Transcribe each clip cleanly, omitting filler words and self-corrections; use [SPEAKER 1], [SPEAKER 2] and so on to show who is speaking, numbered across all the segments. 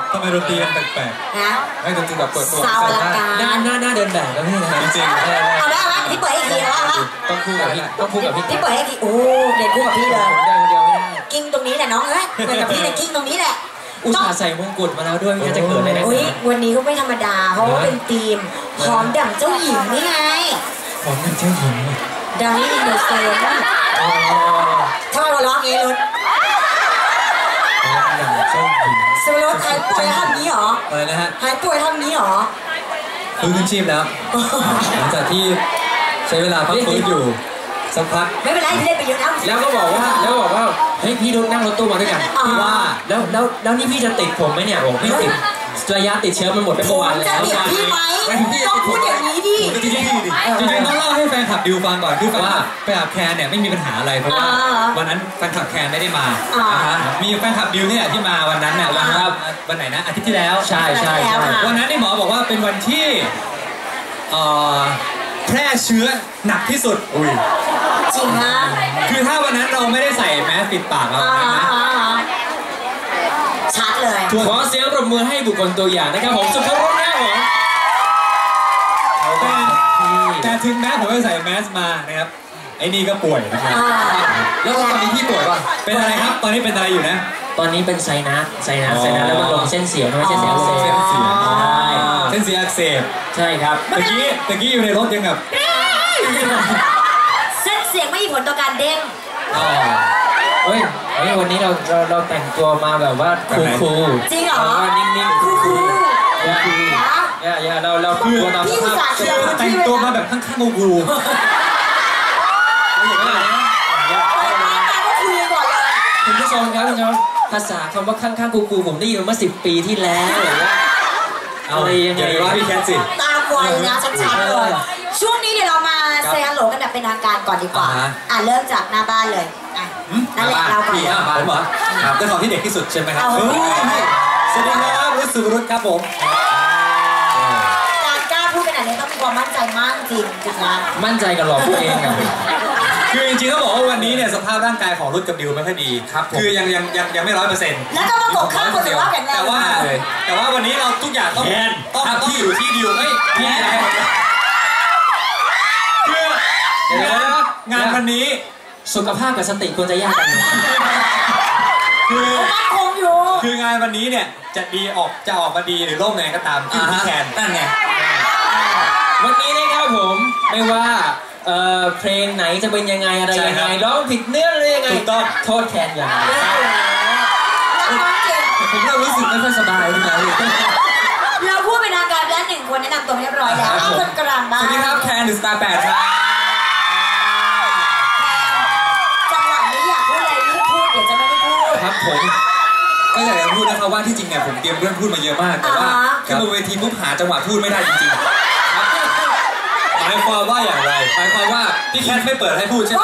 [SPEAKER 1] ทำไมดนตรีมันแปลกๆนะไม่ดนตรีแบบเปิดตัว
[SPEAKER 2] สาวละกา
[SPEAKER 3] หน้าเดินแบบแล้วพี่นะ
[SPEAKER 1] จริง
[SPEAKER 2] เอาละพี่เปิดให้ทีแล้วฮะ
[SPEAKER 3] ต้องคู่กับพี่
[SPEAKER 2] พี่เปิดให้ทีโอ้เด็ดคู่กับพี่เลย
[SPEAKER 3] ได้คนเดียวไม่ได้
[SPEAKER 2] กิ้งตรงนี้แหละน้องเอ้ยเปิดกับพี่เลยกิ้งตรงนี้แหละ
[SPEAKER 3] อุตส่าห์ใส่มงกุฎมาแล้วด้วยไม่จะเกิดอะไรนะ
[SPEAKER 2] วันนี้ก็ไม่ธรรมดาเพราะว่าเป็นธีมพร้อมดั่งเจ้าหญิงนี่ไง
[SPEAKER 3] พร้อมดั่งเจ้าหญิง
[SPEAKER 2] ดังนี่อินเดอะโซนทำไมมาร้องเองรุดสมรสหายป่วยทำนี้หรอ
[SPEAKER 1] อะไรนะฮะ
[SPEAKER 2] หายป่วยทำนี้หรอ
[SPEAKER 1] ฟื้นขึ้นชีพแล้วหลังจากที่ใช้เวลาพักฟื้นอยู่สักพัก
[SPEAKER 2] ไม่เป็นไรพี่เล่นไปเยอะ
[SPEAKER 3] แล้วก็บอกว่าเฮ้ยพี่นั่งรถตู้มาด้วยกันว่าแล้วนี่พี่จะติดผมไหมเนี่ยผมไม่ติดระยะติดเชื้อมันหมดไปเมื่อวานแล้ว
[SPEAKER 2] จะติดพี่ไหมต้องพูดอย่างนี้ดิ
[SPEAKER 1] จริงๆต้องเล่าให้แฟนคลับดิวฟังก่อนคือว่าแฟนคลับแคนเนี่ยไม่มีปัญหาอะไรเพราะว่าวันนั้นแฟนคลับแคนไม่ได้มามีแฟนคลับดิวเนี่ยที่มาวันนั้นเนี่ยวันไหนนะอาทิตย์ที่แล้ว
[SPEAKER 3] ใช่
[SPEAKER 1] วันนั้นหมอบอกว่าเป็นวันที่แพร่เชื้อหนักที่สุด
[SPEAKER 2] จริงนะ
[SPEAKER 1] คือถ้าวันนั้นเราไม่ได้ใส่แมสปิดปากเรานะ
[SPEAKER 2] ชัดเลย
[SPEAKER 3] ขอเสียงปรบมือให้บุคคลตัวอย่างนะครับผมสุภรุษนะครับ
[SPEAKER 1] ผมแต่ถึงแม้ผมไม่ใส่แมสมานะครับไอ้นี่ก็ป่วยนะครับแล้วตอนนี้พี่ป่วยป่ะเป็นอะไรครับตอนนี้เป็นอะไรอยู่นะ
[SPEAKER 3] ตอนนี้เป็นไซนัสแล้วมันลงเส้นเสียงไม่ใช่เส้นอักเสบ
[SPEAKER 1] เส้นเสียงอักเสบ
[SPEAKER 3] ใช่ครับ
[SPEAKER 1] ตะกี้อยู่ในรถยังแบบ
[SPEAKER 2] เส้นเสียงไม่มีผลต่อการเด้ง
[SPEAKER 3] เฮ้ยวันนี้เราแต่งตัวมาแบบว่าคูล
[SPEAKER 2] จริงเหรอ
[SPEAKER 3] นิ่งๆคูลอย่าเราคูลตามสภาพ
[SPEAKER 1] แต่งตัวมาแบบข้างๆกู
[SPEAKER 3] คุณผู้ชมครับภาษาคำว่าข้างๆกูผมได้ยินมา10 ปีที่แล้วหรือว่า
[SPEAKER 1] อะไรยังไงว่าพี่แคทสิ
[SPEAKER 2] ตามวัยนะชัดๆเลยช่วงนี้เดี๋ยวเรามาเซฮัลโหลกันแบบเป็นทางการก่อนดีกว่าเริ่มจากหน้าบ้านเลยนั่นแหละเราก่อน
[SPEAKER 1] ผมเหรอครับเจ้าของที่เด็กที่สุดใช่ไหมครับสวัสดีครับรุ่สุรุตครับผม
[SPEAKER 2] การกล้าพูดขนาดนี้ต้องมีความมั่นใจมากจริงนะ
[SPEAKER 3] มั่นใจกับหลอกพูดเองอ่ะ
[SPEAKER 1] คือจริงๆต้องบอกว่าวันนี้เนี่ยสภาพร่างกายของรุ่กับดิวไม่ค่อยดีครับคือยังไม่100%
[SPEAKER 2] แล้วก็มาโกงข้ามคนอื่นว่าแข็งแรง
[SPEAKER 1] แต่ว่าวันนี้เราทุกอย่างต้องอยู่ที่ดิวไม่อะไรคืองานวันนี้
[SPEAKER 3] สุขภาพกับสติควรจะแยกกัน
[SPEAKER 1] คืองานวันนี้เนี่ยจะออกมาดีหรือล่มยังไงก็ตามที่พี่แคนนั่นไง
[SPEAKER 3] วันนี้นะครับผมไม่ว่าเพลงไหนจะเป็นยังไงอะไรยังไงร้องผิดเนื้ออะไรยังไง
[SPEAKER 1] ถูกต้อง
[SPEAKER 3] โทษแคนอย่างไร
[SPEAKER 1] ผมเริ่มรู้สึกไม่ค่อยสบายทุกครั้ง
[SPEAKER 2] เราพูดเป็นทางการแล้ว1 คนแนะนำตัวเรียบร้อยแล้วเอาคนกลางบ้าง
[SPEAKER 1] สวัสดีครับแคนสตาร์8ครับ
[SPEAKER 2] จังหวะนี้อยากพูดอะไรรีบพูดเดี๋ยวจะไม่ได้พูด
[SPEAKER 1] ครับผมก็อยากจะพูดนะครับว่าที่จริงเนี่ยผมเตรียมเรื่องพูดมาเยอะมากแต่ว่าขึ้นบนเวทีปุ๊บหาจังหวะพูดไม่ได้จริงๆหมายความว่าอย่างไรหมายความว่าพี่แคทไม่เปิดให้พูดใช่ไหม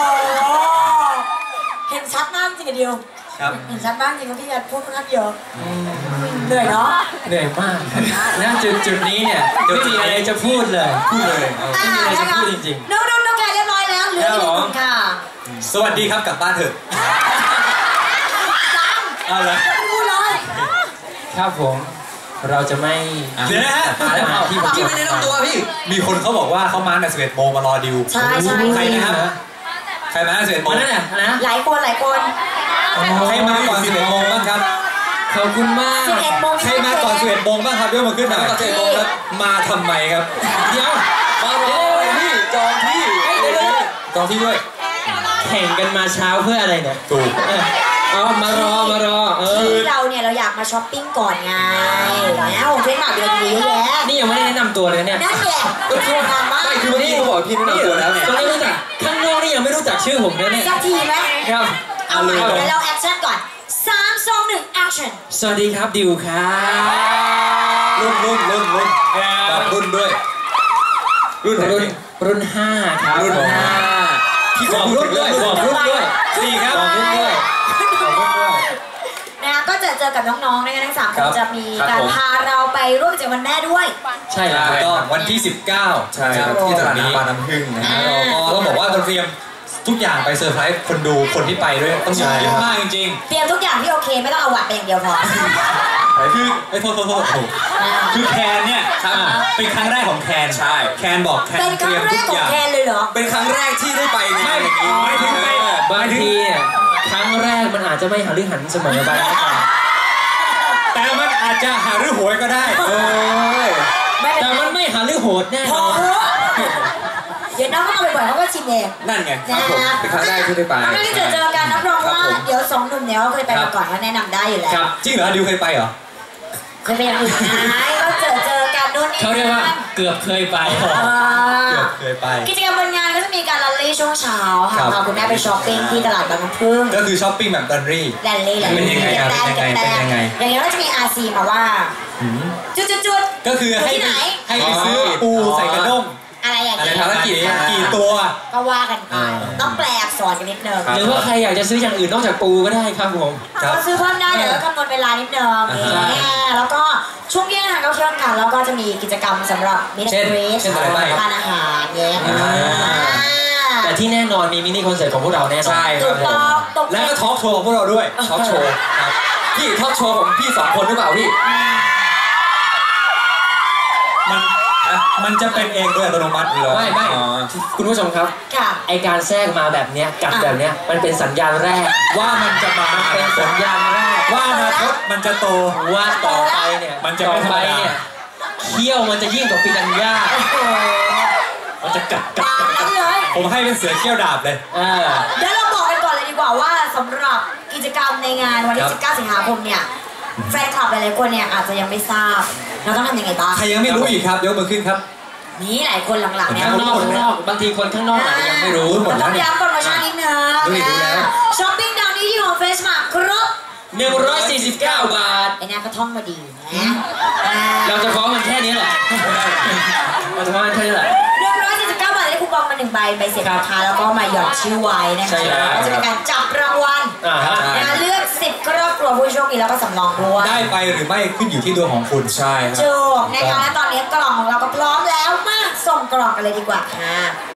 [SPEAKER 2] เห็นชัดมากจริงเดียวเห็นชัดมากจริงว่าพี่แคทพูดค่อนข้างเยอะเหนื่อยเนาะ
[SPEAKER 3] เหนื่อยมากณจุดนี้เนี่ยไม่มีอะไรจะพูดเลยไม่มีอะไรจะพูดจริง
[SPEAKER 2] ๆน้องแคทเรียบร้อยแล้วเหลืออีก1 คนค่ะ
[SPEAKER 1] สวัสดีครับกลับบ้านเถอะ
[SPEAKER 2] เอาละพูดเลย
[SPEAKER 3] ครับผมเราจะไม่
[SPEAKER 1] เดี๋ยวนะฮะพี่ไม่ได้ต้องตัวพี่มีคนเขาบอกว่าเขามาแต่11 โมงมารอดิว
[SPEAKER 2] ใช่
[SPEAKER 1] ใครนะครับใครมา11 โมง
[SPEAKER 3] นั่นน่ะนะ
[SPEAKER 2] หลายคน
[SPEAKER 1] ใครมาก่อน11 โมงบ้างครับ
[SPEAKER 3] ขอบคุณมาก
[SPEAKER 1] ใครมาก่อน11 โมงบ้างครับยกมือขึ้นหน่อย11 โมงครับมาทำไมครับเดี๋ยวมารอพี่จองที่ด้วย
[SPEAKER 3] แข่งกันมาเช้าเพื่ออะไรเนี่ย
[SPEAKER 1] ถูก
[SPEAKER 3] มารอ
[SPEAKER 2] ที่เราเนี่ยเราอยากมาช้อปปิ้งก่อนไงแล้วเพื่อนมาเดือนนี้แย่
[SPEAKER 3] นี่ยังไม่ได้แนะนำตัวเลยเนี่ย
[SPEAKER 2] นั่นแหละก็คืองานมาก
[SPEAKER 1] ไม่คือวันนี้เขาบอกพี่แนะนำตัวแล้วเนี่ย
[SPEAKER 3] ตอนนี้รู้จักข้างนอกนี่ยังไม่รู้จักชื่อผมเลยเนี่ย
[SPEAKER 2] สักทีไหม
[SPEAKER 3] ครับ
[SPEAKER 2] เอาเลยเดี๋ยวเราแอคชั่นก่อน3 2 1แอคชั่น
[SPEAKER 3] สวัสดีครับดิวครับ
[SPEAKER 1] รุ่นแบบรุ่นด้วย
[SPEAKER 3] รุ่น5ครับ
[SPEAKER 1] รุ่น5พี่บอกรุ่นด้วย4ครับบอกรุ่นด้วย
[SPEAKER 2] นะก็จะเจอกับน้องๆนะคะทั้ง3 คนจะมีการพาเราไปร่วมกิจกรรมวันแม่ด้วย
[SPEAKER 3] ใช่แล้ว
[SPEAKER 1] ก็วันที่19ใช่ครับที่ตลาดน้ำบางน้ำผึ้งนะฮะเราต้องบอกว่าเราเตรียมทุกอย่างไปเซอร์ไพรส์คนดูคนที่ไปด้วยต้องเยอะมากจริง
[SPEAKER 2] ๆเตรียมทุกอย่างที่โอเคไม่ต้องเอาหวัดไปอย่างเดียวพอ
[SPEAKER 1] คือโทษคือแคนเนี่ยเป็นครั้งแรกของแคนใช่แคนบอกแคนเตรียมทุกอย่าง
[SPEAKER 2] เป็นครั้งแรกของแคนเลยเหรอ
[SPEAKER 1] เป็นครั้งแรกที่ได้ไปงานอย่างนี้
[SPEAKER 3] บางทีเนี่ยครั้งแรกมันอาจจะไม่หาเรื่องหันเสมอไป
[SPEAKER 1] แต่มันอาจจะหาเรื่องโหยก็ได้
[SPEAKER 3] แต่มันไม่หาเรื่องโหดแน่นอน
[SPEAKER 2] เดี๋ยวน้องเข้ามาบ่อยๆเขาก็ชิมเอง
[SPEAKER 1] นั่นไงครับผมเป็นครั้งแรกที่ได้ไป
[SPEAKER 2] ไม่ได้เจอกันรับรองว่าเดี๋ยว2 หนุ่มเนี่ยเขาเคยไปมาก่อนเขาแนะนำได้อยู่แล้ว
[SPEAKER 1] จริงเหรอดิวเคยไปเหรอ
[SPEAKER 2] เคยไปอย่างอื่นไหมก็เจอกันนู่นนี่
[SPEAKER 3] เขาเรียกว่าเกือบเคยไป
[SPEAKER 2] กิจกรรมบนงานก็จะมีการแรลลี่ช่วงเช้าค่ะพาคุณแม่ไปช้อปปิ้งที่ตลาดบางน้ำพึ่ง
[SPEAKER 1] ก็คือช้อปปิ้งแบบแรลลี่เป็นยังไง
[SPEAKER 2] อย่างนี้ก็จะมีอาซีมาว่าจุด
[SPEAKER 1] ก็คือให้ไปซื้อปูใส่กระด้ง
[SPEAKER 2] อะไรอย่างเงี้ย
[SPEAKER 1] ภารกิจกี่ตัว
[SPEAKER 2] ก็ว่ากันไปต้องแปลอักษรกันนิดนึง
[SPEAKER 3] หรือว่าใครอยากจะซื้ออย่างอื่นนอกจากปูก็ได้ครับผม
[SPEAKER 2] ก็ซื้อเพิ่มได้เดี๋ยวกำหนดเวลานิดนึงแล้วก็ช่วงเย็นนะคะก็เที่ยวกันแล้วก็จะมีกิจกรรมสำหรับมินิคอนเสิร์ตทานอาหารเงี้ย
[SPEAKER 3] แต่ที่แน่นอนมีมินิคอนเสิร์ตของพวกเราแน่นอน
[SPEAKER 1] ใช่ครับแล้วก็ทอล์กโชว์ของพวกเราด้วยทอล์กโชว์ครับพี่ทอล์กโชว์ของพี่2 คนหรือเปล่าพี่มันจะเป็นเองโดยอัตโนมัติเลย
[SPEAKER 3] ไม่คุณผู้ชมครับไอการแทรกมาแบบเนี้ยกัดแบบเนี้ยมันเป็นสัญญาณแรก
[SPEAKER 1] ว่ามันจะมา
[SPEAKER 3] เป็นสัญญาณแรก
[SPEAKER 1] ว่าอนาคตมันจะโต
[SPEAKER 3] ว่าต่อไปเนี่ย
[SPEAKER 1] มันจะไม่ธรรมดา
[SPEAKER 3] เขี้ยวมันจะยิ่งกว่าปีนัญญามันจะกัด
[SPEAKER 2] เลย
[SPEAKER 1] ผมให้เป็นเสือเขี้ยวดาบเลย
[SPEAKER 2] เดี๋ยวเราบอกกันก่อนเลยดีกว่าว่าสำหรับกิจกรรมในงานวันที่19 สิงหาคมเนี่ยแฟนคลับหลายๆคนเนี่ยอาจจะยังไม่ทราบเราต้องทำยังไงบ้าง
[SPEAKER 1] ใครยังไม่รู้อีกครับยกมือขึ้นครับ
[SPEAKER 2] นี่หลายคนหลังๆเนี่ย
[SPEAKER 3] ข้างนอกบางทีคนข้างนอกอาจจะยังไม่รู้
[SPEAKER 2] หมดแล้วต้องย้ำโปรโมชั่นนิดนึงช้อปปิ้งดาวนี้ที่ของเฟสมาครบ
[SPEAKER 3] 149 บาท
[SPEAKER 2] ไอ้นี่ก็ท่องมาดีนะ
[SPEAKER 3] เราจะฟ้องมันแค่นี้แหละเราจะฟ้องมันแค่นี้แหละ
[SPEAKER 2] 149 บาทได้คูปองมา1 ใบเสร็จราคาแล้วก็มาหยอดชื่อไว้นะคะก็จะเป็นการจับรางวัลเลือก10 ครอบครัวผู้โชคดีแล้วก็สำรองด้วย
[SPEAKER 1] ได้ไปหรือไม่ขึ้นอยู่ที่ดวงของคุณใช่ครับ
[SPEAKER 2] ถูกนะคะและตอนนี้กล่องของเราก็พร้อมแล้วมาส่งกล่องกันเลยดีกว่าค่ะ